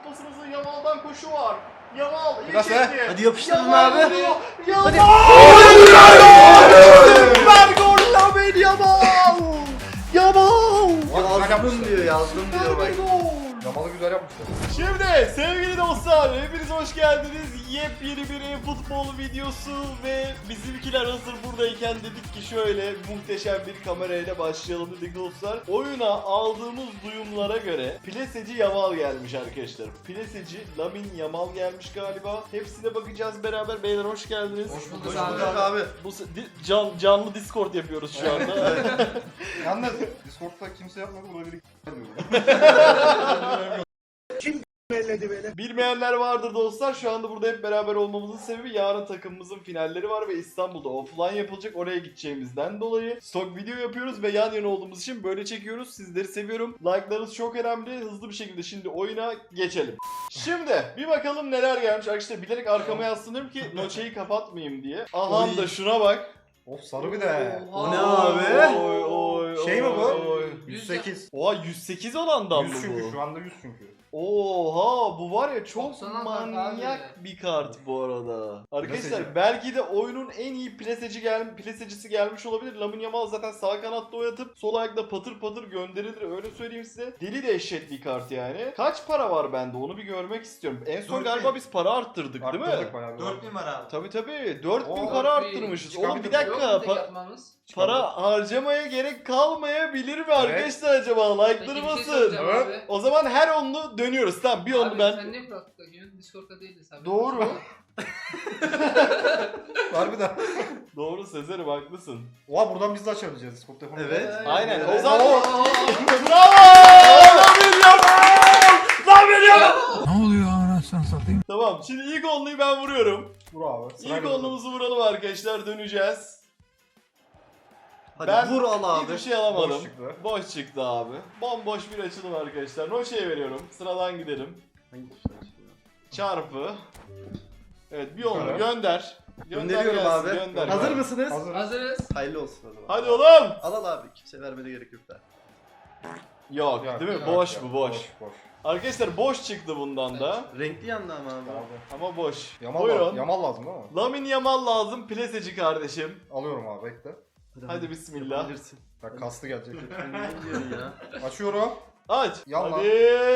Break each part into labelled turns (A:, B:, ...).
A: pasımızı Yamal'dan koşu var. Yamal iyi
B: Biraz
A: çekti.
B: Hadi yapıştırın
A: Yamal
B: abi.
A: vuruyor. Yamal!
B: Hadi.
A: Süper gol Lamine Yamal! Yamal!
B: Yazdım diyor, yazdım diyor bak.
C: Yamalı güzel yapmışlar.
A: Şimdi sevgili dostlar hepiniz hoş geldiniz. Yepyeni bir futbol videosu ve bizimkiler hazır buradayken dedik ki şöyle muhteşem bir kamerayla başlayalım dedik dostlar. Oyuna aldığımız duyumlara göre Pliseci Yamal gelmiş arkadaşlar. Pliseci Lamine Yamal gelmiş galiba. Hepsine bakacağız beraber. Beyler hoş geldiniz.
C: Hoş bulduk.
B: Hoş bulduk abi.
A: Bu canlı Discord yapıyoruz şu anda.
C: Yalnız Discord'da kimse yapmadı, buna biri
A: Bilmeyenler vardır dostlar. Şu anda burada hep beraber olmamızın sebebi yarın takımımızın finalleri var ve İstanbul'da offline yapılacak. Oraya gideceğimizden dolayı stok video yapıyoruz ve yan yana olduğumuz için böyle çekiyoruz. Sizleri seviyorum. Like'larınız çok önemli. Hızlı bir şekilde şimdi oyuna geçelim. Şimdi bir bakalım neler gelmiş. Arkadaşlar bilerek arkama yaslanıyorum ki noçeyi kapatmayayım diye. Aha da şuna bak.
C: Of sarı bir de.
B: O ne abi?
C: Şey mi bu?
A: Oy.
C: 108.
A: Oha 108 olandan
C: 100
A: mı
C: çünkü
A: bu?
C: şu anda 100 çünkü.
A: Oha bu var ya çok
D: 90'a bak
A: manyak
D: abi.
A: bir kart bu arada. Arkadaşlar
C: Plaseci.
A: belki de oyunun en iyi plasecisi gelmiş olabilir. Lamine Yamal zaten sağ kanatta oynatıp sol ayakla patır patır gönderilir öyle söyleyeyim size. Deli dehşet bir kart yani. Kaç para var bende onu bir görmek istiyorum. En son
B: 4000.
A: galiba biz para arttırdık değil mi?
C: Arttırdık bayağı bir.
B: 4000 var abi.
A: Tabii 4000
C: Oo,
A: para
D: 4000
A: arttırmışız. Oğlum bir
C: çıkabilir.
A: dakika
D: Yok mu tek yapmamız?
A: para harcamaya gerek kalmayabilir mi arkadaşlar acaba?
D: Peki
A: Like'ları
D: bir şey
A: basın.
D: soracağım
C: Evet.
D: abi.
A: O zaman her onlu dönüyoruz. Tamam bir onu
D: Abi
A: ben...
D: sen niye kulaklık takıyorsun? Discord'da değiliz abi.
A: Doğru.
C: Harbiden.
A: Doğru Sezer'im haklısın.
C: Oha buradan biz de açabileceğiz Discord telefonu.
B: Evet.
A: Aynen.
B: Evet.
A: O zaman...
D: Oo.
A: Bravo! Lamine Yamal! Lamine Yamal!
E: Ne oluyor anasını satayım?
A: Tamam şimdi ilk onluyu ben vuruyorum.
C: Vur abi.
A: İlk
C: Sırayla
A: onluğumuzu vuralım arkadaşlar döneceğiz.
B: Hadi
A: Ben
B: vur al
A: Hiçbir
B: abi.
A: şey alamadım.
C: Boş çıktı.
A: Boş çıktı abi. Bomboş bir açılım arkadaşlar. Noşe'ye veriyorum. Sıradan gidelim. Çarpı. Evet bir onlu
C: Evet.
A: gönder.
B: Gönderiyorum
A: gelsin,
B: abi.
A: Gönder.
B: Hazır mısınız?
C: Hazır.
D: Hazırız.
B: Hayırlı olsun o zaman.
A: Hadi oğlum.
B: Al abi. Kimse vermene gerek yok da.
A: Yok
C: Yok,
A: değil mi?
D: yok,
A: Boş
C: Yok,
A: bu boş.
C: Boş.
A: Tamam. Boş çıktı bundan da.
B: Renkli yandı ama abi.
C: Abi.
A: Ama boş.
C: Yamal
A: Buyurun.
C: lazım. Yamal lazım değil mi?
A: Lamine Yamal lazım. Plaseci kardeşim.
C: Alıyorum abi bekle.
A: Hadi bismillah.
B: Yapabilirsin.
C: Bak kastı gelecek.
B: Sen ne diyorsun ya?
C: Açıyorum.
A: Aç.
C: Yallah.
A: Hadi.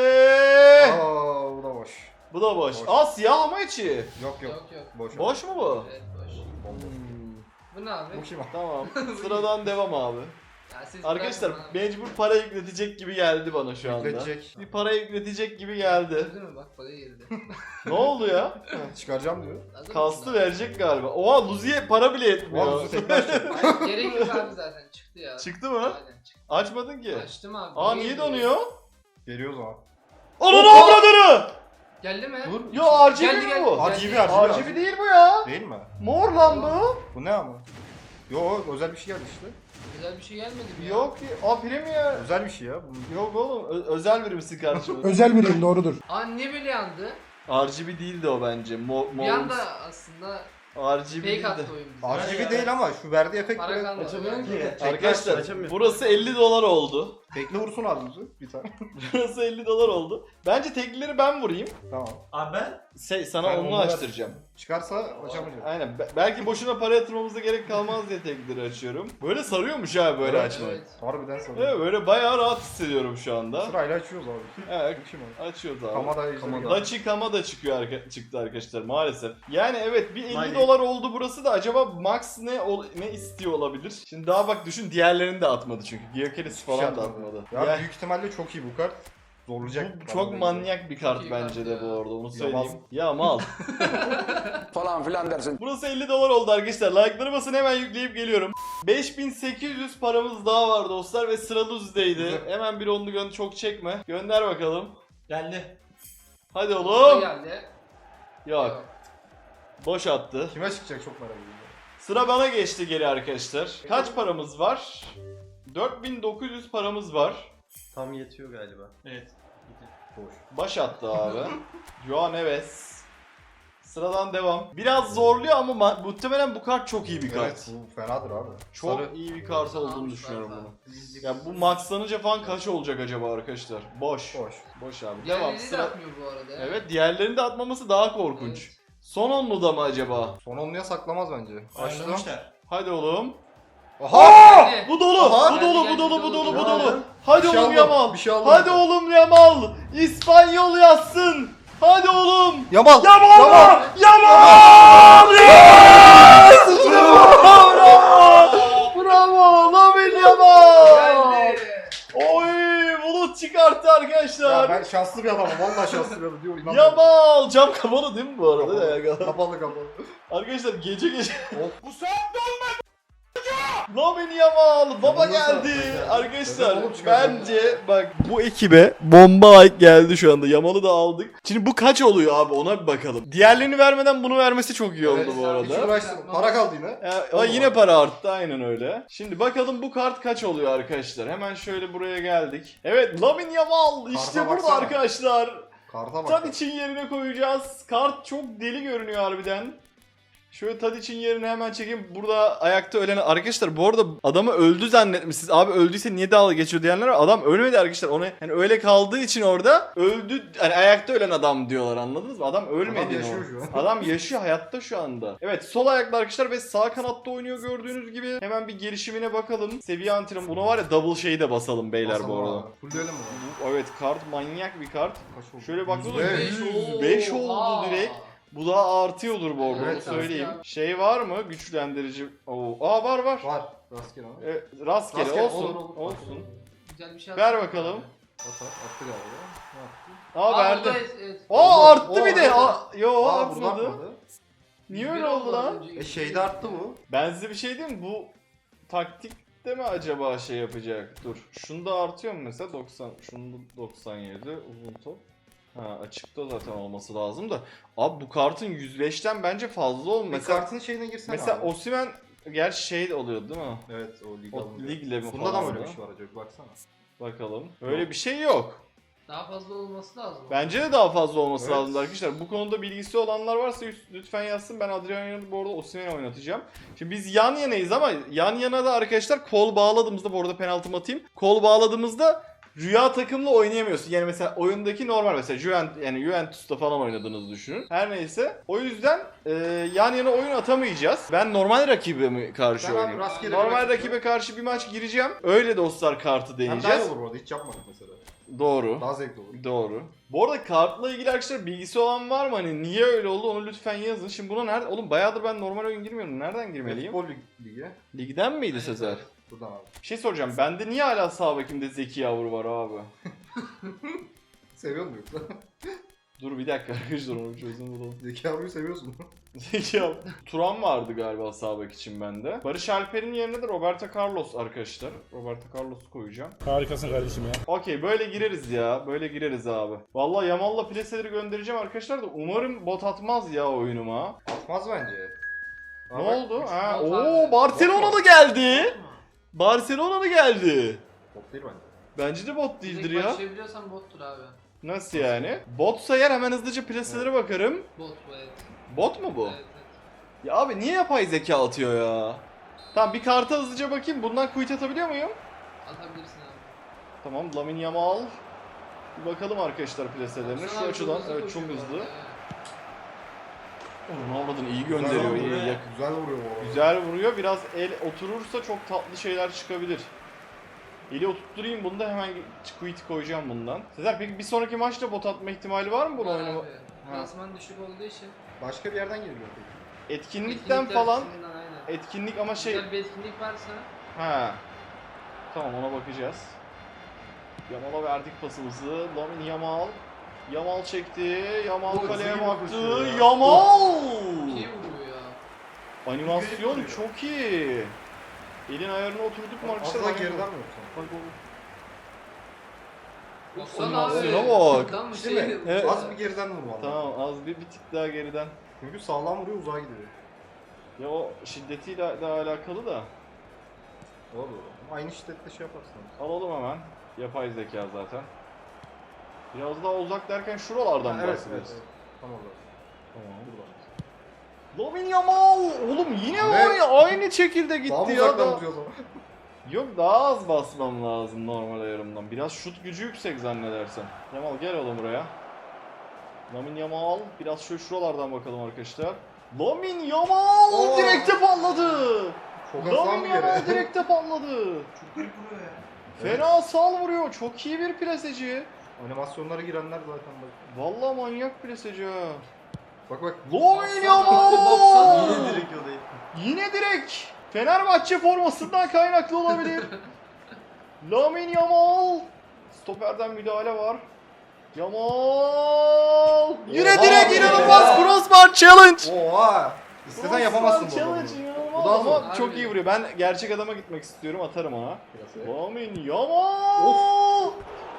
C: Aa bu da boş.
A: Bu da boş.
C: Boş.
A: Aa siyah ama içi.
C: Yok.
D: Yok.
C: Boş.
A: Boş mu bu?
D: Evet boş.
A: Hmm,
D: Bu ne abi?
C: Bu kim abi?
A: tamam. Sıradan devam abi.
D: Ya siz
A: Arkadaşlar
D: bırakın bana.
A: mecbur para yükletecek gibi geldi bana şu anda.
C: Yükletecek.
A: Bir para yükletecek gibi geldi.
D: Gördün mü bak parayı girdi.
A: Ne oldu ya?
C: Çıkaracağım diyor.
D: Hazır
A: Kastı
D: mısın
A: verecek galiba. Oha Luzi'ye para bile
C: Oha
A: yetmiyor.
C: bu tekrar açacak.
D: abi? Hayır, gerek yok abi zaten çıktı ya.
A: Çıktı mı?
D: Aynen çıktı.
A: Açmadın ki.
D: Açtım abi.
A: Aa niye donuyor?
C: Geliyor o zaman.
A: Onun avradını!
D: Geldi mi?
C: Dur.
A: Yo RGB
D: Geldi,
A: mi
D: geldi.
A: bu?
C: RGB.
A: RGB değil bu ya.
C: Değil mi?
A: Mor lan bu.
C: Bu ne ama? Yo özel bir şey geldi işte.
D: Güzel bir şey gelmedi mi ya?
A: Yok ki. Aa Premier.
C: Özel bir şey ya. Bu-
A: Yok oğlum özel birimsin kardeşim.
E: Özel biriyim doğrudur.
D: Aa niye böyle yandı?
A: RGB değildi o bence.
D: Bir anda aslında
A: RGB
D: fake
A: değildi.
D: attı oyun bize.
C: RGB değil ama şu verdiği efekt
D: Para
C: böyle.
D: kalmadı.
B: Açamıyorum ki.
A: Arkadaşlar
B: Açamıyorum.
A: burası 50 dolar oldu.
C: Tekli vursun abi bizi. Bir tane.
A: Burası 50 dolar oldu. Bence teklileri ben vurayım.
C: Tamam.
B: Abi ben?
A: Sana
C: Sen
A: onu
C: onu ver.
A: açtıracağım.
C: Çıkarsa açamayacağız.
A: Aynen. Belki boşuna para yatırmamıza gerek kalmaz diye teklileri açıyorum. Böyle sarıyormuş ha böyle
C: Evet.
A: açmak.
D: Evet.
C: Harbiden sanırım.
A: Evet böyle bayağı rahat hissediyorum şu anda.
C: Sırayla açıyoruz abi.
A: Evet.
C: Bu kim abi?
A: Açıyoruz abi.
C: Kamada ejderi
B: Kamada.
C: geldi.
A: Dachi Kama da çıktı arkadaşlar maalesef. Yani evet bir 50
B: Maalesef.
A: dolar oldu burası da acaba Max ne istiyor olabilir? Şimdi daha bak düşün diğerlerini de atmadı çünkü. Gyökeres falan da atmadı.
C: Ya
A: Yani
C: büyük ihtimalle çok iyi bu kart. Zorlayacak.
A: bu çok manyak bir kart
D: Çok iyi
A: bence
D: kart
A: de
D: ya.
A: bu arada onu
C: Yamal.
A: söyleyeyim. Ya mal.
F: falan filan dersin.
A: Burası 50 dolar oldu arkadaşlar. Like'ları basın hemen yükleyip geliyorum. 5800 paramız daha var dostlar ve sıra Luzi'deydi. Hemen bir onlu çok çekme. Gönder bakalım.
B: Geldi.
A: Hadi
D: Bu
A: oğlum.
D: geldi.
A: Yok. Boş attı.
C: Kime çıkacak çok merak ediyorum.
A: Sıra bana geçti geri arkadaşlar. Kaç paramız var? 4900 paramız var.
B: Tam yetiyor galiba.
A: Evet.
C: Boş.
A: Baş attı abi. Joao Neves. Sıradan devam. Biraz zorluyor ama muhtemelen bu kart çok iyi bir kart.
C: Evet bu fenadır abi.
A: Çok
C: Sarı.
A: iyi bir kart olduğunu
D: Almışlar
A: düşünüyorum
D: da.
A: bunu.
D: Bizlik.
A: Ya bu maxlanınca falan kaç olacak acaba arkadaşlar? Boş.
C: Boş.
A: Boş abi.
D: Diğerlerini
A: Devam.
D: de
A: Sıra...
D: atmıyor bu arada. ya.
A: Evet, diğerlerini de atmaması daha korkunç.
D: Evet.
A: Son onlu da mı acaba?
C: Son onluya saklamaz bence. Açtım.
B: Başlamışlar.
A: Hadi oğlum.
C: Aha!
D: Hadi.
A: Bu dolu.
C: Aha.
A: Bu dolu,
D: Geldi,
A: bu dolu, bu
D: geldi,
A: dolu, bu
D: geldi.
A: dolu. Hadi
C: Bir şey
A: oğlum
C: aldım,
A: Yamal.
C: bir şey aldım.
A: Hadi oğlum Yamal. İspanyol yazsın. Hadi oğlum.
C: Yamal!
A: Yamal!
C: Yamal!
A: Yamal! Yes! Bravo! Bravo! Lamine Yamal!
D: Geldi.
A: Oy! Bulut çıkarttı arkadaşlar.
C: Ya ben şanslı bir adamım. Vallahi şanslı bir adamım. Diyor,
A: Yamal! Cam kapalı değil mi bu arada?
C: Kapalı kapalı.
A: Arkadaşlar gece
C: Of.
A: bu saatte olmadı. Lamine Yamal baba
C: Yamal'ı
A: geldi.
C: saatte.
A: Arkadaşlar
C: Neden oğlum çıkardın?
A: bence bak bu ekibe bomba ayık geldi şu anda. Yamal'ı da aldık. Şimdi bu kaç oluyor abi ona bir bakalım. Diğerlerini vermeden bunu vermesi çok iyi oldu
C: Evet,
A: bu
C: Hiç
A: arada.
C: uğraştım. Para kaldı yine.
A: Yine para arttı aynen öyle. Şimdi bakalım bu kart kaç oluyor arkadaşlar. Hemen şöyle buraya geldik. Evet Lamine Yamal işte
C: Karta
A: burada
C: baksana.
A: arkadaşlar.
C: Karta bak.
A: Tadic'in yerine koyacağız. Kart çok deli görünüyor harbiden. Şöyle Tadic'in yerine hemen çekeyim. Burada ayakta ölen arkadaşlar bu arada adamı öldü zannetmişsiniz. Abi öldüyse niye dalga geçiyor diyenler var. Adam ölmedi arkadaşlar. Onu hani öyle kaldığı için orada öldü. Hani ayakta ölen adam diyorlar anladınız mı? Adam ölmedi.
C: Adam yaşıyor şu an.
A: Adam yaşıyor hayatta şu anda. Evet sol ayaklı arkadaşlar ve sağ kanatta oynuyor gördüğünüz gibi. Hemen bir gelişimine bakalım. Seviye antrenman. Buna var ya double şeyi de basalım beyler bu arada.
C: Fulleyelim mi?
A: Evet kart manyak bir kart.
C: Kaç oldu?
A: Şöyle baktığınız
C: 105.
A: 105 oldu
D: Oha.
A: direkt. Bu daha artıyordur bu arada
C: Evet,
A: onu söyleyeyim.
D: artıyor.
A: Şey var mı güçlendirici? Var.
C: Var. Rastgele ama.
A: Rastgele,
C: Rastgele,
A: olsun.
C: olur.
A: Olsun.
D: Güzel bir şey
A: Ver
D: attı.
A: bakalım.
C: Atar. Attı galiba. Ne yaptı?
A: Aa verdi.
D: Evet, evet.
A: Arttı bir de.
C: evet.
A: Yo
C: Aa burada
A: artmadı.
C: atmadı.
A: Niye öyle oldu lan?
C: Şeyde arttı bu.
A: Ben size bir şey diyeyim mi? Bu taktikte mi acaba şey yapacak? Dur. Şunda artıyor mu mesela? 90. Şunda 97. Uzun top. Ha açıkta zaten olması lazım da. Abi bu kartın 105'ten bence fazla olmuş.
C: Mesela
A: Mesela
C: kartın şeyine girsene
A: mesela
C: abi.
A: Osimhen gerçi şey oluyor değil mi?
C: Evet o lig
A: O
C: alınca.
A: ligle mi
C: Bunda da
A: falan
C: mı öyle
A: da?
C: bir şey var acaba? Baksana.
A: Bakalım. Öyle bir şey yok.
D: Daha fazla olması lazım.
A: Bence de daha fazla olması
C: Evet.
A: lazım arkadaşlar. Bu konuda bilgisi olanlar varsa lütfen yazsın. Ben Adriano'yu bu arada Osimhen'i oynatacağım. Şimdi biz yan yanayız ama yan yana da arkadaşlar kol bağladığımızda bu arada penaltımı atayım. Kol bağladığımızda rüya takımla oynayamıyorsun. Yani mesela oyundaki normal mesela Juventus'ta falan oynadığınızı düşünün. Her neyse. O yüzden yan yana oyun atamayacağız. Ben normal rakibe mi karşı
C: Ben abi
A: oynayayım?
C: rastgele bir
A: Normal
C: rakip
A: rakibe karşı bir maç gireceğim. Öyle dostlar kartı
C: Hem daha iyi
A: deneyeceğiz.
C: olur orada hiç yapmadık mesela.
A: Doğru.
C: Daha zevkli olur.
A: Doğru. Bu arada kartla ilgili arkadaşlar bilgisi olan var mı? Hani niye öyle oldu onu lütfen yazın. Şimdi buna nerede? Oğlum bayağıdır ben normal oyun girmiyorum. Nereden girmeliyim?
C: Futbol ligi.
A: Ligden miydi
D: Evet,
A: Sezer?
D: evet.
C: Buradan abi.
A: Bir şey soracağım. Bende niye hala sağ bekimde Zeki Yavru var abi?
C: Seviyor musun yoksa?
A: Dur bir dakika arkadaşlar onu bir çözüm bulalım.
C: Zeki abiyi seviyorsun.
A: Zeki Yavru. Turan vardı galiba sağ bek için bende. Barış Alper'in yerine de Roberto Carlos arkadaşlar. Roberto Carlos'u koyacağım.
E: Harikasın kardeşim ya.
A: Okey böyle gireriz ya. Böyle gireriz abi. Vallahi Yamal'la plaseleri göndereceğim arkadaşlar da umarım bot atmaz ya oyunuma.
C: Atmaz bence.
A: Ne
C: Aa, bak,
A: oldu?
C: üç-
A: Ha,
D: bot
A: oo
D: abi.
A: Barcelona'da geldi. Barcelona'da geldi.
C: Bot değil bence.
A: Bence de bot değildir
D: Direkt
A: ya.
D: başlayabiliyorsan bottur abi.
A: Nasıl yani? Botsa eğer hemen hızlıca plaselere bakarım.
D: Bot bu evet.
A: Bot mu bu?
D: Evet, evet.
A: Ya abi niye yapay zeka atıyor ya? Tamam bir karta hızlıca bakayım. Bundan quit atabiliyor muyum?
D: Atabilirsin abi.
A: Tamam Lamine Yamal. Bir bakalım arkadaşlar plaselerine.
D: Baksana
A: Şu
D: abi,
A: açıdan
D: hızlı
A: evet
D: koşuyor
A: çok
D: bu
A: hızlı.
D: arada ya.
A: Onu avradın iyi gönderiyor.
C: Güzel
A: iyi,
C: vuruyor.
A: yak-
C: Güzel vuruyor bu arada.
A: Güzel vuruyor. Biraz el oturursa çok tatlı şeyler çıkabilir. Eli oturtturayım bunu da hemen quit koyacağım bundan. Sezer peki bir sonraki maçta bot atma ihtimali var mı bunu
D: Var
A: oynama?
D: abi. Klasman düşük olduğu için.
C: Başka bir yerden geliyor peki.
A: Etkinlikten
D: etkinlikler
A: falan
D: açısından aynen.
A: etkinlik ama şey
D: Güzel bir etkinlik varsa
A: ha. Tamam ona bakacağız. Yamal'a verdik pasımızı. Lamine Yamal. Yamal çekti. Yamal
C: Bu
A: kaleye
C: zengin
A: baktı.
C: koşuyor ya.
A: Yamal!
D: iyi vuruyor ya.
A: Animasyon
C: vuruyor.
A: çok iyi. Elin ayarına oturduk mu arkadaşlar?
C: Az daha
A: Bak-
C: geriden mi yoksa?
A: bak oğlum.
D: Baksana abi.
A: Animasyona bak.
D: Tam bir
C: Değil
D: şey.
A: mi? Evet.
C: Az bir geriden vur valla.
A: Tamam az bir tık daha geriden.
C: Çünkü sağlam vuruyor uzağa gidiyor.
A: Ya o şiddetiyle de alakalı da.
C: Doğru. Aynı şiddette şey yaparsın.
A: Alalım hemen. Yapay zeka zaten. Biraz daha uzak derken şuralardan
C: Ha, evet,
A: bahsediyoruz.
C: evet. Tam orada.
A: Tamam buradan. Lamine Yamal! Oğlum yine
C: Ne?
A: var ya aynı şekilde
C: Daha
A: gitti
C: mı
A: ya
C: uzaktan
A: da.
C: vuruyor o zaman?
A: Yok daha az basmam lazım normal ayarımdan. Biraz şut gücü yüksek zannedersem. Yamal gel oğlum buraya. Lamine Yamal biraz şöyle şuralardan bakalım arkadaşlar. Lamine Yamal
C: Oo.
A: direkte patladı.
C: Çok hızlı
A: Lamine
C: bir yere.
A: Yamal direkte patladı.
B: Çok büyük vuruyor ya.
A: Fena sal vuruyor. Çok iyi bir preseci.
C: Animasyonlara girenler zaten bak.
A: Vallahi manyak preseci ha.
C: Bak bak.
A: Lamine
D: Baksana, baksana.
A: Yamal!
B: Yine direkt o değil.
A: Yine direkt. Fenerbahçe formasından kaynaklı olabilir. Lamine Yamal. Stoperden müdahale var. Yamal. Yine
C: Oha
A: direkt
C: be.
A: inanılmaz crossbar challenge.
C: Oha! İstesen yapamazsın bu
A: Challenge
C: adamı.
A: inanılmaz
C: Bu daha
A: ama
D: zor.
A: çok
D: Harbi.
A: iyi vuruyor. Ben gerçek adama gitmek istiyorum. Atarım ona.
C: Piyasaya.
A: Lamine Yamal.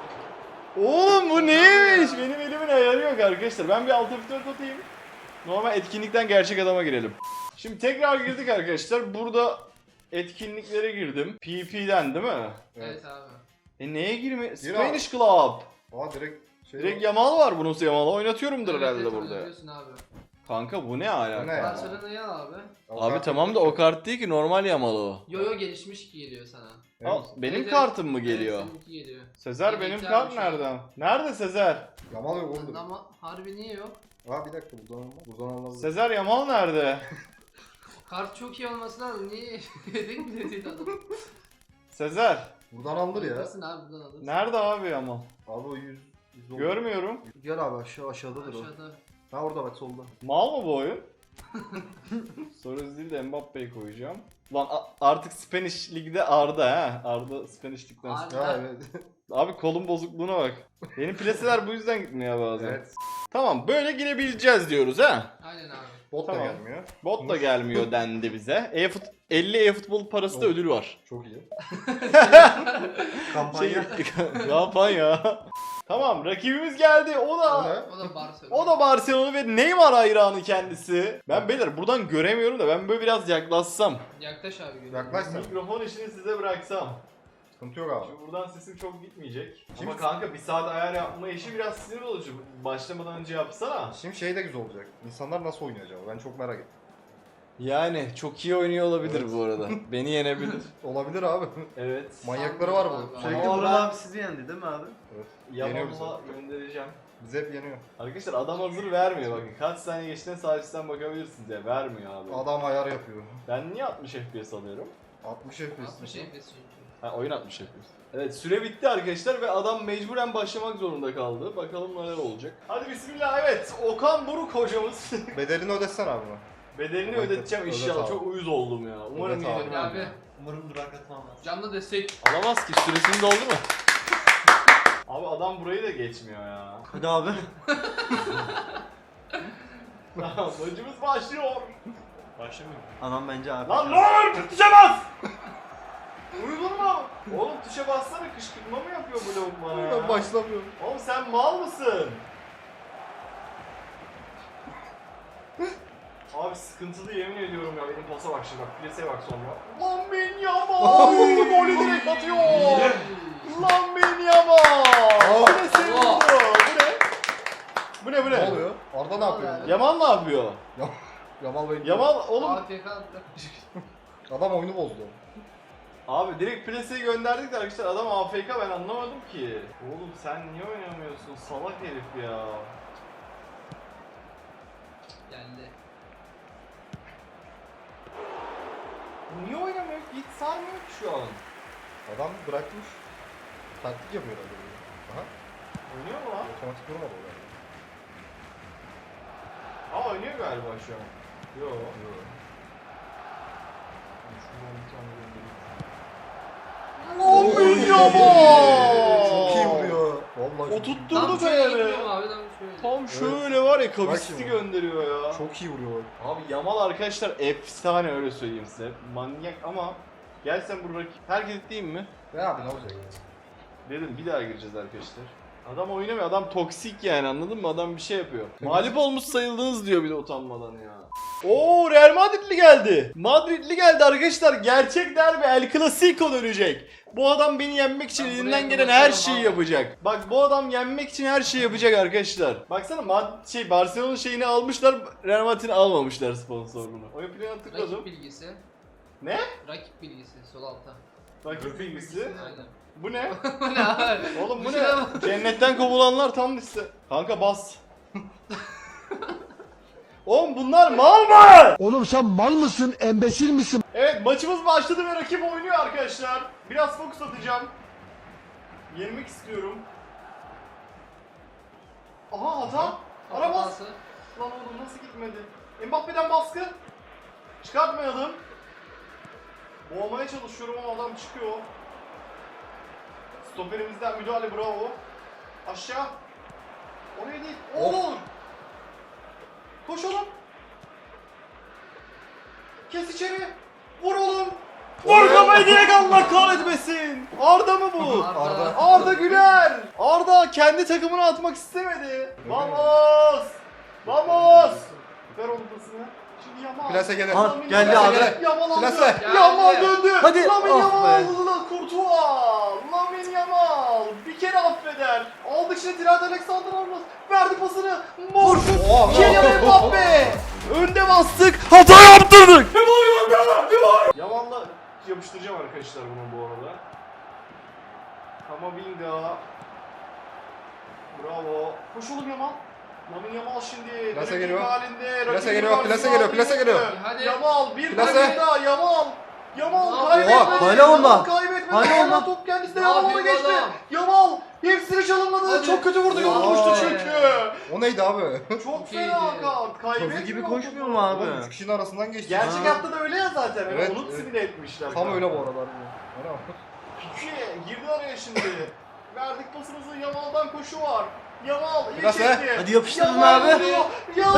A: Oğlum bu neymiş? Benim elimin ayarı yok arkadaşlar. Ben bir alt F4 atayım. Normal etkinlikten gerçek adama girelim. Şimdi tekrar girdik arkadaşlar. Burada etkinliklere girdim. PP'den değil mi?
D: Evet abi.
A: Neye girme?
C: Gir
A: Spanish Club.
C: Aa direkt şey
A: Direkt Yamal var bunun. Yamal'ı oynatıyorumdur
D: Evet,
A: herhalde
D: evet,
A: burada.
D: oynuyorsun abi.
A: Kanka bu ne alaka?
C: Bu ne ya?
D: Barcelona'yı al abi.
A: Abi tamam da o kart değil ki normal Yamal o.
D: Yo yo gelişmiş ki geliyor sana.
A: Al, benim
D: Evet,
A: kartım mı
D: evet,
A: geliyor?
D: seninki geliyor.
A: Sezer
D: Evet,
A: benim
D: yedekler
A: kart
D: bir şey.
A: nereden? Nerede Sezer?
C: Yamal yok oğlum.
D: Ama harbi niye yok?
C: Aa bir dakika buradan olmaz. Buradan olmaz.
A: Sezer Yamal nerede?
D: Kart çok iyi olması lazım. Niye yedek mi dedi adam?
A: Sezer.
C: Buradan alınır ya.
D: Alırsın abi buradan alırsın.
A: Nerede abi Yamal?
C: Abi o 100 oldu.
A: Görmüyorum.
C: Gel abi aşağıdadır o.
D: Aşağıda.
C: Ha orada bak solda.
A: Mal mı bu oyun? Soru değil de Mbappe'yi koyacağım. Lan artık Spanish Lig'de Arda ha. Arda Spanish Lig'den.
D: Arda.
C: Ha evet.
A: Abi kolun bozukluğuna bak. Benim plaseler bu yüzden gitmiyor bazen.
C: Evet.
A: Tamam böyle girebileceğiz diyoruz ha.
D: Aynen abi.
C: Bot da
A: Tamam.
C: gelmiyor.
A: Bot da gelmiyor dendi bize. 50 e-futbol parası da ödül var.
C: Çok iyi. Kampanya.
A: Kampanya. Tamam rakibimiz geldi. O
C: O
A: da
C: ne?
D: O da Barcelona.
A: o da Barcelona ve Neymar hayranı kendisi. Ben beyler buradan göremiyorum da ben böyle biraz yaklaşsam.
D: Yaklaş abi. görüyorum.
C: Yaklaş sen.
A: Mikrofon işini size bıraksam.
C: Sıkıntı yok abi.
A: Şimdi buradan sesim çok gitmeyecek.
C: Şimdi-
A: Ama kanka bir saat ayar yapma işi biraz sinir olucu. Başlamadan önce yapsana.
C: Şimdi şey de güzel olacak. İnsanlar nasıl oynuyor acaba? Ben çok merak ettim.
A: Yani çok iyi oynuyor olabilir
C: Evet.
A: bu arada. Beni yenebilir.
C: Olabilir abi.
A: Evet.
C: Manyakları var
D: Sandım
C: bu.
D: abi.
C: Sürekli
A: Ama
B: Orhan
A: ben-
B: abi sizi yendi değil mi abi?
C: Evet. Yeniyor bizi.
A: Yamal'la göndereceğim.
C: Bize hep yeniyor.
A: Arkadaşlar adam hazır vermiyor bakın. Kaç saniye geçtiğine sahipten bakabilirsiniz ya. Vermiyor abi.
C: Adam ayar yapıyor.
A: Ben niye 60 FPS alıyorum?
C: 60 FPS.
D: 60 FPS çünkü.
A: Ha oyun 60 FPS. Evet süre bitti arkadaşlar ve adam mecburen başlamak zorunda kaldı. Bakalım neler olacak. Hadi bismillah evet. Okan Buruk hocamız.
C: Bedelini ödessen abi buna.
A: Bedelini
C: Evet,
A: ödeteceğim
C: ödet
A: inşallah.
C: abi.
A: Çok uyuz oldum ya. Umarım
C: Ödet abi.
A: yenilmem.
D: Abi
B: Umarım duraklatmamaz.
D: canlı destek.
A: Alamaz ki süresini doldu mu? Abi adam burayı da geçmiyor ya.
B: Hadi abi.
A: Tamam maçımız başlıyor.
B: Başlamıyor. Anam bence abi.
A: Lan ne olur tuşa bas! Uyudun mu? Oğlum tuşa bassana kışkırtma mı yapıyor bu lavuk bana ya?
C: Ben başlamıyorum.
A: Oğlum sen mal mısın? Abi sıkıntılı yemin ediyorum ya benim pasa bak şimdi bak plaseye bak sonra. Lan ben Yamal! Golü direkt atıyor! Lan ben Yamal! Plase
D: Oha!
A: vurdu! Bu ne? Bu ne?
C: Ne oluyor? Arda ne yapıyor?
D: Vallahi.
A: Yamal ne yapıyor?
C: Yamal Bey.
A: Yamal oğlum
D: AFK
C: Adam oyunu bozdu.
A: abi direkt plaseyi gönderdik de arkadaşlar adam AFK ben anlamadım ki. Oğlum sen niye oynamıyorsun salak herif ya.
D: geldi.
A: Niye oynamıyor? Hiç sarmıyor ki şu an.
C: Adam bırakmış. Taktik yapıyor herhalde. böyle. Aha.
A: Oynuyor mu lan?
C: Otomatik durmadı o galiba.
A: Aa oynuyor galiba şu an. Yo.
C: Yo.
A: Şuradan bir tane göndereyim.
C: Oy!
A: Yamal!
C: Çok iyi vuruyor. Vallahi
A: O
C: çok iyi.
A: tutturdu
D: Tam şöyle
A: Fener'i.
D: gidiyorum abi tam şöyle.
A: Tam şöyle var ya kavisti
C: şimdi.
A: gönderiyor ya.
C: Çok iyi vuruyor.
A: Abi Yamal arkadaşlar efsane öyle söyleyeyim size. Manyak ama gel sen bu rakip. Herkes diyeyim mi?
C: Ne abi ne olacak?
A: Dedim bir daha gireceğiz arkadaşlar. Adam oynamıyor. Adam toksik yani, anladın mı? Adam bir şey yapıyor. Mağlup olmuş sayıldınız diyor bir de utanmadan ya. Oo, Real Madridli geldi. Madridli geldi arkadaşlar. Gerçek derbi El Clasico dönecek. Bu adam beni yenmek için
D: Ben
A: elinden
D: buraya
A: gelen her
D: konuşamam
A: şeyi
D: abi.
A: yapacak. Bak bu adam yenmek için her şeyi yapacak arkadaşlar. Baksana Barcelona'nın şeyini almışlar, Real Madrid'in almamışlar sponsorluğunu. Oyun planına tıkladım.
D: Rakip bilgisi.
A: Ne?
D: Rakip bilgisi sol altta.
A: Rakip bilgisi.
D: Aynen.
A: Bu ne?
D: Bu ne abi?
A: Oğlum bu ne?
D: Şuna bak.
A: Cennetten kovulanlar tam liste. Kanka bas. Oğlum bunlar mal mı?
E: Oğlum sen mal mısın, embesil misin?
A: Evet, maçımız başladı ve rakip oynuyor arkadaşlar. Biraz fokus atacağım. Yenmek istiyorum. Aha hata. Ara bas.
D: Hatası.
A: Lan oğlum nasıl gitmedi? Mbappe'den baskı. Çıkartmayalım. Boğmaya çalışıyorum ama adam çıkıyor. Stoperimizden müdahale, bravo. Aşağı. Oraya değil. Oğlum. Koş oğlum. Kes içeri. Vur oğlum. Vur kafayı direkt, Allah kahretmesin. Arda mı bu?
C: Arda.
A: Arda Güler. Arda kendi takımına atmak istemedi. Vamos. Vamos. Ver onun pasını. Şimdi Yamal.
C: Plase gelir.
B: Ha,
A: Yamal
B: geldi
A: Yamal.
B: abi.
A: Yamal aldı.
C: Plase.
A: Yamal
D: Geldi.
A: döndü.
B: Hadi.
A: Lamine
B: Ah
A: Yamal.
B: be.
A: Courtois. Lamine Yamal. Bir kere affeder. Aldık şimdi Trent Alexander-Arnold. Verdi pasını. Morfut.
C: Oha.
A: Kylian Mbappe. Önde bastık. Hata yaptırdık. Yamal'la yapıştıracağım arkadaşlar bunu bu arada. Kamavinga. Bravo. Koş oğlum Yamal. Lamine Yamal şimdi.
C: Plase
A: dribbling
C: geliyor.
A: halinde.
C: Plase
A: Rakibi
C: geliyor,
A: karşısına
C: plase geliyor,
A: aldı,
C: plase
A: yürüdü.
C: geliyor.
D: Hadi.
A: Yamal bir
C: Plase.
A: tane daha Yamal. Yamal
D: Oha,
A: kaybetmedi.
B: hala
A: Yamal
B: onda.
A: kaybetmedi.
B: Hala
A: Hala
B: onda.
A: top kendisine
D: Ne
A: Yamal'a
D: yapıyor
A: geçti.
D: adam?
A: Yamal hepsini çalımladı.
D: Hadi.
A: Çok kötü vurdu. Yolu
C: Vay.
A: düştü çünkü.
C: O neydi abi?
A: Çok
D: Çok
A: fena
D: iyiydi.
A: kart. Kaybetmiyor.
B: Topu gibi
A: topu.
B: koşmuyor mu abi?
C: Oğlum 3 kişinin arasından geçti.
A: Gerçek
B: Ha.
A: hayatta da öyle ya zaten. Yani
C: Evet,
A: onu
C: evet.
A: simüle etmişler.
C: Tam öyle bu aralar. Öyle mi?
A: Piki girdi araya şimdi. Verdik pasımızı. Yamal'dan koşu var. Yamal iyi
C: Biraz
A: çekti.
B: Hadi yapıştırın
A: Yamal
B: abi.
A: vuruyor. Yamal!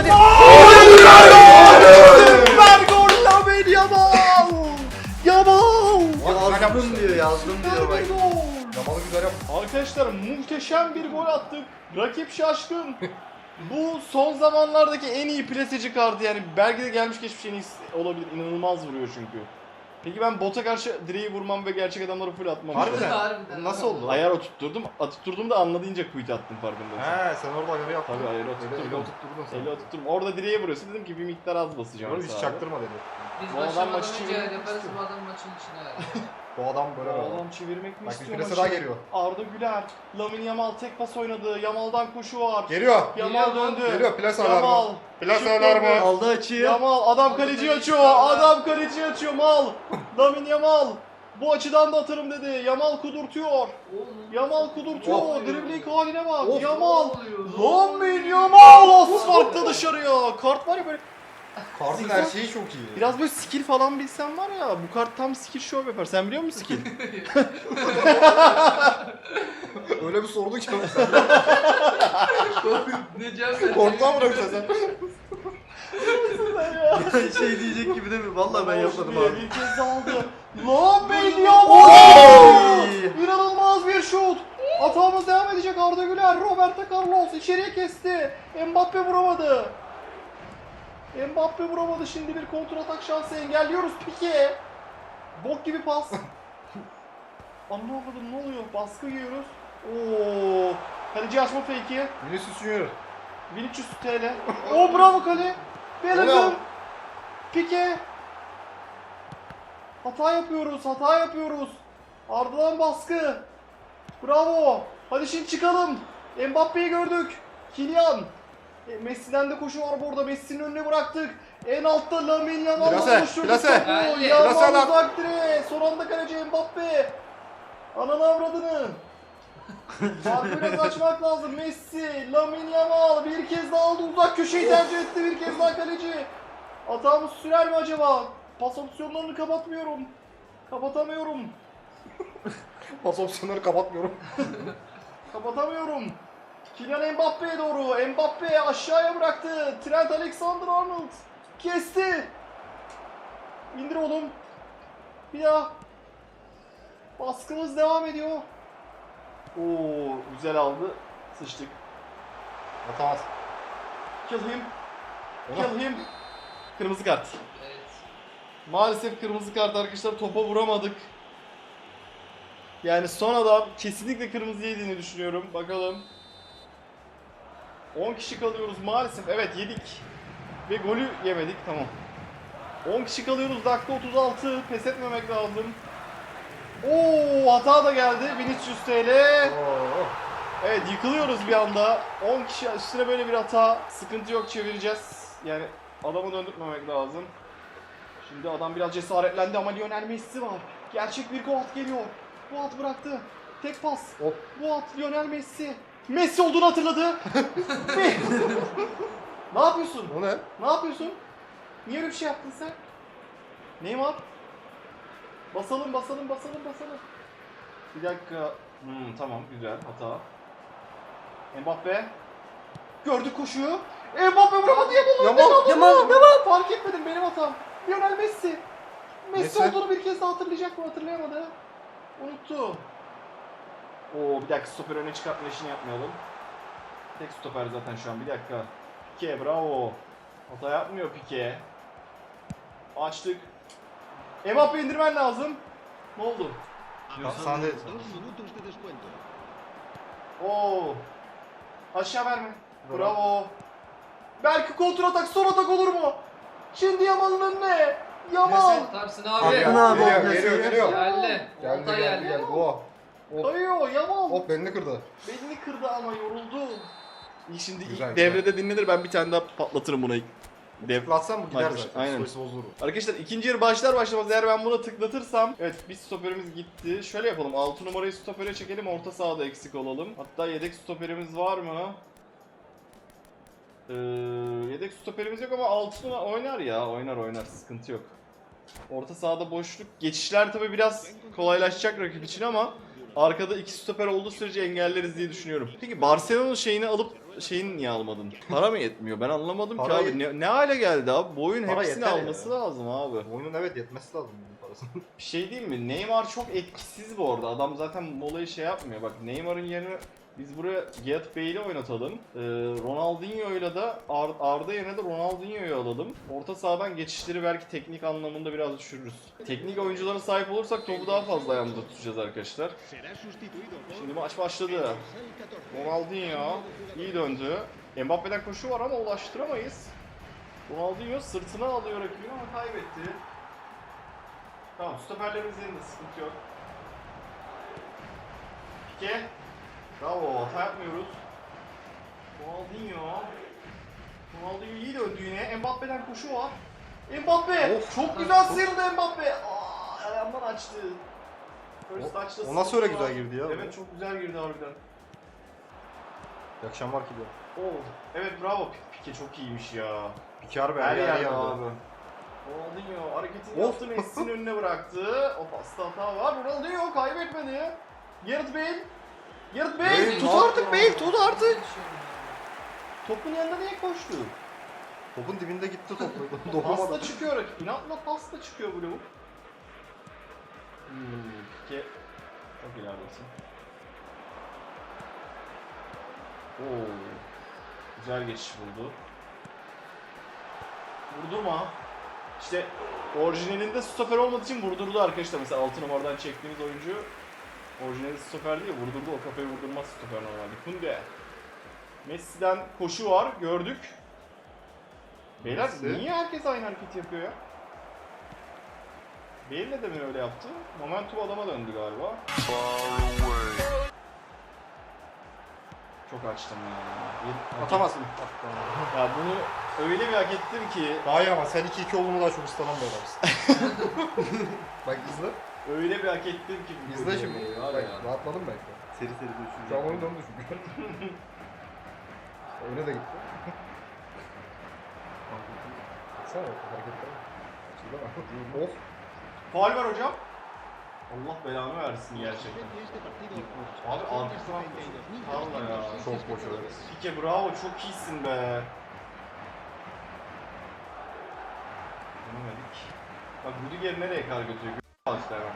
B: Hadi.
A: Ver gol Lamine Yamal! Yamal!
B: Yazdım diyor, yazdım diyor bak.
A: Ver bir gol!
C: Yamal'ı güzel yap.
A: Arkadaşlar muhteşem bir gol attık. Rakip şaşkın. Bu son zamanlardaki en iyi plaseci kartı, yani belki de gelmiş geçmiş en iyisi olabilir. İnanılmaz vuruyor çünkü. Peki ben bota karşı direği vurmam ve gerçek adamları full atmam.
C: Harbiden.
D: Harbiden.
C: Bu nasıl oldu?
A: Ayar oturtturdum. Oturtturdum da anladığınca quit attım farkındaysan.
C: He sen orada ayarı yaptın.
A: Tabii ayarı
C: Öyle
A: oturtturdum.
C: oturtturdun sen.
A: Eli oturtturdum. Orada direğe vuruyorsun, dedim ki bir miktar az basacağım.
C: Böyle hiç
A: sadece.
C: çaktırma dedi.
D: Biz
A: Bu adam
D: başlamadan
A: maçı
D: önce
A: çevirmek
D: yaparız,
A: istiyor.
D: bu adam maçın içine.
C: Bu adam böyle
A: Bu
C: böyle.
A: adam çevirmek mi
C: Bak bir
A: istiyor
C: plase
A: maçı?
C: daha geliyor.
A: Arda Güler, Lamine Yamal tek pas oynadı. Yamal'dan koşu var.
C: Geliyor.
A: Yamal
D: Geliyor mu?
A: döndü.
C: Geliyor plase
A: Yamal.
C: alarmı. Plase
A: Şut
C: alarmı.
A: döndü.
B: Aldı açıyı.
A: Yamal adam
D: Aldı
A: kaleci
D: kaleci
A: açıyor.
D: çıkardı.
A: Adam kaleci açıyor. Mal. Lamine Yamal. Bu açıdan da atarım dedi. Yamal kudurtuyor.
D: Oğlum.
A: Yamal kudurtuyor.
D: Of.
A: Dribbling haline bak.
C: Of.
A: Yamal.
D: Ne oluyor?
A: Lamine Yamal. Asfaltta dışarıya. Kart var ya böyle.
C: Kartın her şeyi çok iyi.
A: Biraz böyle skill falan bilsen var ya. Bu kart tam skill show yapar. Sen biliyor musun skill?
C: Öyle bir sordu ki sen.
D: Ne cevap
C: Korktan bırakacağız sen.
B: Şey diyecek gibi değil mi? Vallahi ben yapmadım abi.
A: Bir kez aldı. Lamine Yamal.
B: Oy!
A: İnanılmaz bir şut. Hatamız devam edecek. Arda Güler, Roberto Carlos içeriye kesti. Mbappe vuramadı. Mbappe vuramadı. Şimdi bir kontratak şansı engelliyoruz. Pique. Bok gibi pas. Anlamadım, ne oluyor? Baskı yiyoruz. Oo. Kaleci açma fake'i.
C: Vinicius Junior.
A: 1300 TL. Oo bravo kale. Bellingham.
C: Ulan.
A: Pique. Hata yapıyoruz, hata yapıyoruz. Ardından baskı. Bravo. Hadi şimdi çıkalım. Mbappe'yi gördük. Kylian. Messi'den de koşu var burada. Messi'nin önüne bıraktık. En altta Lamine Yamal'la
C: Plase,
A: buluşturduk
C: plase.
A: topu.
D: Geldi.
A: Yamal
C: Plase lan.
A: uzak direğe. Son anda kaleci Mbappe. Ananı avradını. Farkı biraz açmak lazım. Messi, Lamine Yamal bir kez daha aldı. Uzak köşeyi tercih etti. Bir kez daha kaleci. Hatamız sürer mi acaba? Pas opsiyonlarını kapatmıyorum. Kapatamıyorum.
C: Pas opsiyonları kapatmıyorum.
A: Kapatamıyorum. Kylian Mbappe'ye doğru. Mbappe aşağıya bıraktı. Trent Alexander-Arnold kesti. İndir oğlum. Bir daha. Baskımız devam ediyor. Oo, güzel aldı. Sıçtık.
C: Atamaz.
A: Kill him.
C: Ona.
A: Kill him. Kırmızı kart.
D: Evet.
A: Maalesef kırmızı kart arkadaşlar, topa vuramadık. Yani son adam kesinlikle kırmızı yediğini düşünüyorum. Bakalım. 10 kişi kalıyoruz maalesef. Evet yedik. Ve golü yemedik. Tamam. 10 kişi kalıyoruz. Dakika 36. Pes etmemek lazım. Oo, hata da geldi. Vinicius TL.
C: Oo.
A: Evet, yıkılıyoruz bir anda. 10 kişi üstüne böyle bir hata. Sıkıntı yok, çevireceğiz. Yani adamı döndürmemek lazım. Şimdi adam biraz cesaretlendi ama Lionel Messi var. Gerçek bir Goat geliyor. Goat bıraktı. Tek pas.
C: Hop.
A: Goat, Lionel Messi. Messi olduğunu hatırladı. Ne yapıyorsun?
C: O ne?
A: Ne yapıyorsun? Niye öyle bir şey yaptın sen? Neymar? Basalım. Bir dakika. Tamam, güzel. Hata. Mbappe. Gördü koşuyu. Mbappe vuramadı, Yamal. Fark etmedim, benim hatam. Lionel Messi. Messi olduğunu bir kez daha hatırlayacak mı? Hatırlayamadı. Unuttu. Oo, bir dakika, stoper öne çıkartma işini yapmayalım. Tek stoper zaten şu an, bir dakika. Pique, bravo. Hata yapmıyor Pique. Açtık. Mbappe indirmen lazım. Ne oldu?
C: Sahne.
A: Oo. Aşağı verme. Bravo. Belki kontratak, son atak olur mu? Şimdi Yamal'ın önüne. Yamal.
D: Atarsın
C: Abi,
D: abi.
C: geliyor.
D: Geldi.
C: Geldi
D: Orta
C: geldi. Oh.
A: Kayıyor Yamal.
C: Hop belini kırdı.
A: Belini kırdı ama yoruldu. Şimdi
C: Güzel,
A: ilk
C: güzel.
A: devrede dinlenir, ben bir tane daha patlatırım buna ilk.
C: Tıklatsam bu gider
A: Maç,
C: zaten.
A: aynen.
C: Psikolojisi bozulur.
A: Arkadaşlar ikinci yarı başlar başlamaz eğer ben buna tıklatırsam, evet, bir stoperimiz gitti. Şöyle yapalım, 6 numarayı stopere çekelim, orta sahada eksik olalım. Hatta yedek stoperimiz var mı? Yedek stoperimiz yok ama 6 numara oynar ya, oynar, sıkıntı yok. Orta sahada boşluk, geçişler tabi biraz kolaylaşacak rakip için ama arkada iki stoper olduğu sürece engelleriz diye düşünüyorum. Peki Barcelona'nın şeyini alıp şeyini niye almadın? Para mı yetmiyor? Ben anlamadım ki
C: Para
A: abi. Ne hale geldi abi? Bu oyun
C: Para
A: hepsini
C: yeter
A: alması
C: ya.
A: lazım abi.
C: Oyunun evet yetmesi lazım bunun parasının.
A: Bir şey değil mi? Neymar çok etkisiz bu arada. Adam zaten molayı şey yapmıyor. Bak, Neymar'ın yerine biz buraya Gareth Bale'i oynatalım. Ronaldinho'yla da Arda yerine de Ronaldinho'yu alalım. Orta sahadan geçişleri belki teknik anlamında biraz düşürürüz. Teknik oyunculara sahip olursak topu daha fazla ayağımızda tutacağız arkadaşlar. Şimdi maç başladı. Ronaldinho iyi döndü. Mbappe'den koşu var ama ulaştıramayız. Ronaldinho sırtına alıyor rakibini ama kaybetti. Tamam, stoperlerimiz yerinde, sıkıntı yok. Pique. Bravo, hata yapmıyoruz. Ronaldinho iyi döndü yine. Mbappe'den koşu var. Mbappe! Çok güzel sıyrıldı Mbappe. Ayağımdan açtı. First touch'ta
C: O nasıl öyle
A: sıyrıldı.
C: güzel girdi ya?
A: Evet, çok güzel girdi harbiden.
C: İyi akşamlar ki diyor.
A: Oo, evet, bravo. Pique çok iyiymiş ya.
C: Pikar be
A: Her
C: her
A: yerde
C: yerde.
A: abi. Ronaldinho hareketini
C: Of.
A: yaptı, Messi'nin önüne bıraktı. O pasta hata var. Ronaldinho kaybetmedi. Gareth Bale. Gareth Bale, tut artık Bale, tut artık. Topun yanında niye koştu?
C: Topun dibinde gitti top.
A: Pasta
C: Dokunamadı.
A: çıkıyor rakip. İnatla pasta çıkıyor bu lavuk. Pique. Çok ileridesin. Oo. Güzel geçiş buldu. Vurdurma. İşte orijinalinde stoper olmadığı için vurdurdu arkadaşlar. Mesela 6 numaradan çektiğimiz oyuncu orijinalinde stoper değil, vurdurdu. O kafayı vurdurmaz stoper normalde. Kunde. Messi'den koşu var, gördük. Beyler
C: Messi.
A: niye herkes aynı hareketi yapıyor ya? Bale de mi öyle yaptı? Momentum adama döndü galiba. Çok açtım ya.
C: Atamazsın.
A: Ya bunu öyle bir hak ettim ki,
C: Daha iyi ama sen 2-2 olduğunu daha çok istanan bir adamsın. Bak izle.
A: öyle bir hak ettim ki. bu
C: İzle
A: golü.
C: şimdi.
A: Var
C: Bak
A: ya.
C: rahatladım belki.
B: Seri seri dönüşüm.
C: Şu an oyun döndü çünkü. Öne de gitti. Baksana bak hareketler. Açıldı. Of.
A: Faul var hocam. Allah belanı versin gerçekten. Abi arkasına Valla ya.
C: Çok boş öyle.
A: Pique bravo, çok iyisin be. Denemedik. Bak Rüdiger nereye kadar götürüyor? Al işte hemen.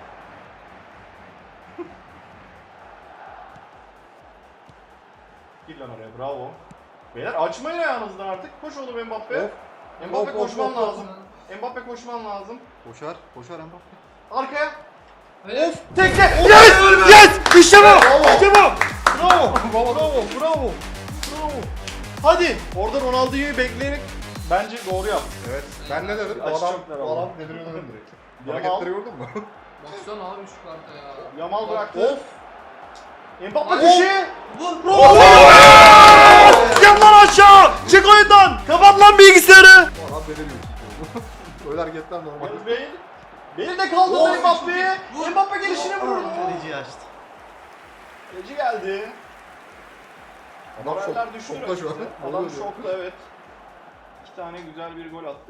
A: Gir lan oraya, bravo. Beyler açmayın ayağınızdan artık. Koş oğlum Mbappe.
B: Of.
A: Mbappe
B: Of, of,
A: koşman
B: of,
A: lazım. Mbappe koşman lazım.
B: Koşar. Koşar Mbappe.
A: Arkaya.
D: Öyle.
A: Tekle. Yes! Yes! İşte bu! İşte bu! Bravo! Bravo! Bravo! Bravo! Hadi! Orada Ronaldinho'yu bekleyerek bence doğru yaptı.
B: Evet. Ben ne dedim? Bu
A: Aç
B: adam,
A: çoklar
B: bu
A: ama.
B: adam deliriyor dedim direkt.
A: Yamal.
B: Hareketleri gördün mü?
D: Baksana abi şu karta ya.
A: Yamal bıraktı.
B: Of.
A: Mbappe
D: Of!
A: köşeye.
D: Vur.
A: Yap lan aşağı! Çık oyundan! Kapat lan bilgisayarı!
B: Bu adam deliriyor. Öyle hareketler normal.
A: Yalnız Bale de kaldırdı
D: Of!
A: Mbappe'ye. Mbappe gelişine vurdu.
B: Kaleciyi açtı.
A: Kaleci geldi.
B: Adam
A: Moraller düştü
B: şokta şu an.
A: rakipte.
B: Ne
A: Adam
B: oluyor?
A: şokta, evet. 2 tane güzel bir gol attık.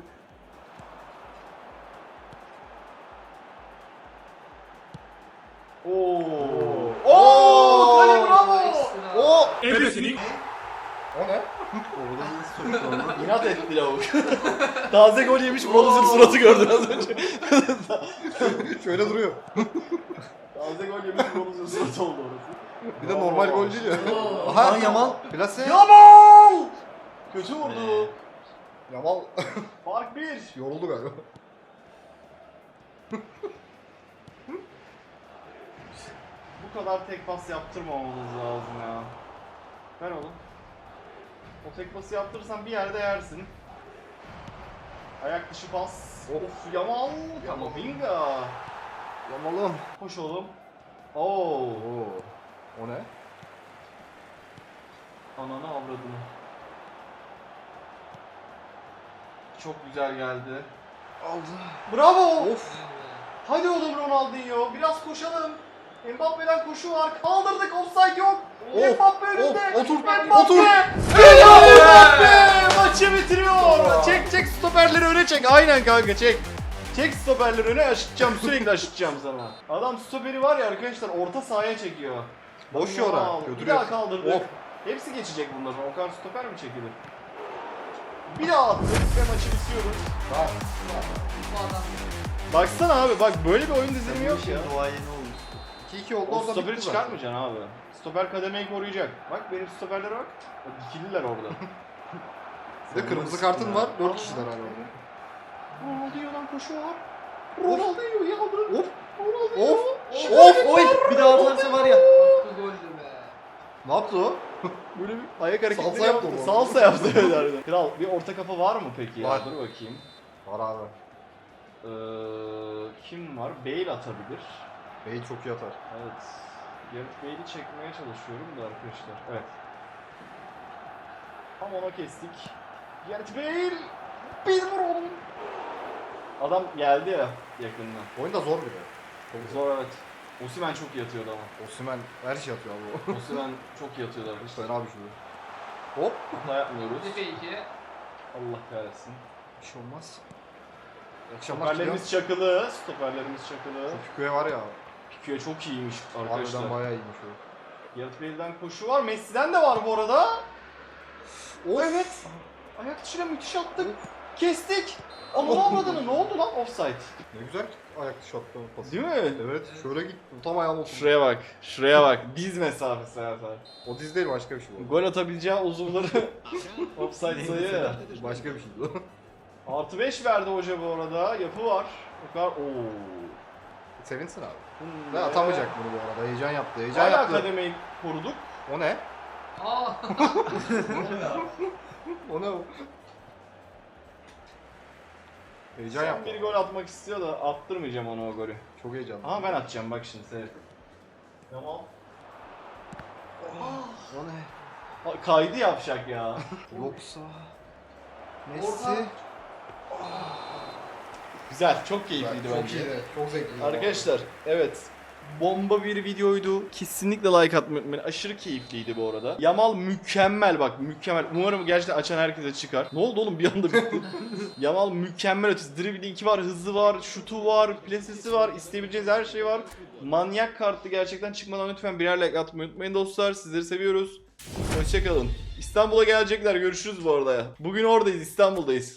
A: Oo. Oo! Kale bravo!
D: Ekstra.
B: O!
C: Ebesini.
B: O ne? Orada bir soru sordu.
A: İnat etti lavuk. Taze gol yemiş Bronz'un suratı gördün az önce.
B: Şöyle duruyor.
A: Taze gol yemiş Bronz'un suratı oldu orası.
B: Bir de normal gol değil ya.
D: Oo.
B: Aha Yamal. Plase.
A: Yamal! Kötü vurdu.
B: Yamal
A: Fark 1.
B: yoruldu galiba.
A: Bu kadar tek pas yaptırmamamız lazım ya. Ver oğlum. O tek pası yaptırırsan bir yerde yersin. Ayak dışı pas. Of Yamal. Kamavinga.
B: Yamal'ım.
A: Koş oğlum. Oo.
B: Oo. O ne?
A: Ananı avradını. Çok güzel geldi.
B: Aldı.
A: Bravo.
B: Of.
A: Hadi oğlum Ronaldinho. Biraz koşalım. Mbappe'den koşu var. Kaldırdık. Offside yok.
B: Of,
A: Mbappe önünde.
B: of, otur,
A: Mbappe.
B: otur.
A: Mbappe maçı bitiriyor. Çek stoperleri öne çek. Aynen kanka çek. Çek stoperleri öne aşıtacağım. Sürekli aşıtacağım sana. Adam stoperi var ya arkadaşlar orta sahaya çekiyor.
B: Boş yora.
A: Wow. Bir
B: Götürüyor.
A: daha kaldırdık.
B: Of.
A: Hepsi geçecek bunların. O kadar stoper mi çekilir? Bir daha attık ve maçı bitiyoruz.
D: Bu adam.
A: Baksana abi bak böyle bir oyun dizilimi yok ya.
B: Duayeni olmuş. 2-2 oldu
A: O
B: orada
A: stoperi
B: bitti
A: çıkarmayacaksın abi. Stoper kademeyi koruyacak. Bak benim stoperlere bak. Bak dikililer orada.
B: Bir de kırmızı kartın var. 4 kişiler hala orada.
A: Ronaldinho'dan koşu var. Ronaldinho yaldı.
B: Of.
A: Ronaldinho.
B: Of. Of. Oy. Bir daha atarsa var ya.
D: Bu goldü be.
B: Ne yaptı o?
A: Böyle bir ayak hareketleri
B: Salsa
A: yaptı.
B: yaptı o.
A: Salsa yaptı evet harbiden. Kral bir orta kafa var mı peki ya?
B: Var.
A: Dur bakayım.
B: Var abi.
A: Kim var? Bale atabilir.
B: Bey çok iyi atar.
A: Evet. Gareth Bale'i çekmeye çalışıyorum da arkadaşlar. Evet. Tam ona kestik. Gareth Bale! Bir vur oğlum! Adam geldi ya yakından.
B: Oyun da zor bir de.
A: Zor evet. Osimhen çok iyi atıyordu ama.
B: Osimhen her şey atıyor abi o.
A: Osimhen çok iyi atıyordu arkadaşlar.
B: Fena bir şey. Hop.
A: Hata yapmıyoruz.
D: Tepe 2.
A: Allah kahretsin.
B: Bir şey olmaz. İyi akşamlar
A: Stoperlerimiz çakılı. Stoperlerimiz çakılı.
B: Fiküye var ya.
A: Piqué çok iyiymiş arkadaşlar.
B: Harbiden bayağı iyiymiş o.
A: Gareth Bale'den koşu var. Messi'den de var bu arada. O evet. Ayak dışına müthiş attık. Kestik. Ananı avradını ne oldu lan offside?
B: Ne güzel ayak dışı attı o pası.
A: Değil mi?
B: Evet. Şöyle git. Tam ayağına oturdu.
A: Şuraya bak. Şuraya bak. Diz mesafesi zaten.
B: O diz değil başka bir şey bu.
A: Gol atabileceği uzuvları offside sayı.
B: Başka bir şey bu.
A: Artı 5 verdi hoca bu arada. Yapı var. O kadar. Oo.
B: Sevinsin abi.
A: Bu
B: Ne
A: ne?
B: atamayacak bunu bu arada. Heyecan yaptı. Heyecan
A: Hala
B: yaptı.
A: kademeyi koruduk.
B: O ne?
D: Aa.
B: O ne o? Heyecan
A: Son
B: yaptı.
A: bir gol atmak istiyor da attırmayacağım ona o golü.
B: Çok heyecanlı.
A: Ama ben atacağım bak şimdi seyret. Tamam.
B: O ne?
A: Kaydı yapacak ya.
B: Yoksa...
D: Orta.
B: Messi.
A: Güzel, çok keyifliydi
B: Çok
A: bence.
B: iyiydi. Çok zevkliydi.
A: Arkadaşlar, evet. Bomba bir videoydu. Kesinlikle like atmayı unutmayın. Aşırı keyifliydi bu arada. Yamal mükemmel bak, mükemmel. Umarım gerçekten açan herkese çıkar. Ne oldu oğlum bir anda bitti. Yamal mükemmel ötesi. Dribblingi var, hızı var, şutu var, plasesi var, isteyebileceğiniz her şey var. Manyak kartlı gerçekten çıkmadan lütfen birer like atmayı unutmayın dostlar. Sizleri seviyoruz. Hoşçakalın. İstanbul'a gelecekler. Görüşürüz bu arada ya. Bugün oradayız, İstanbul'dayız.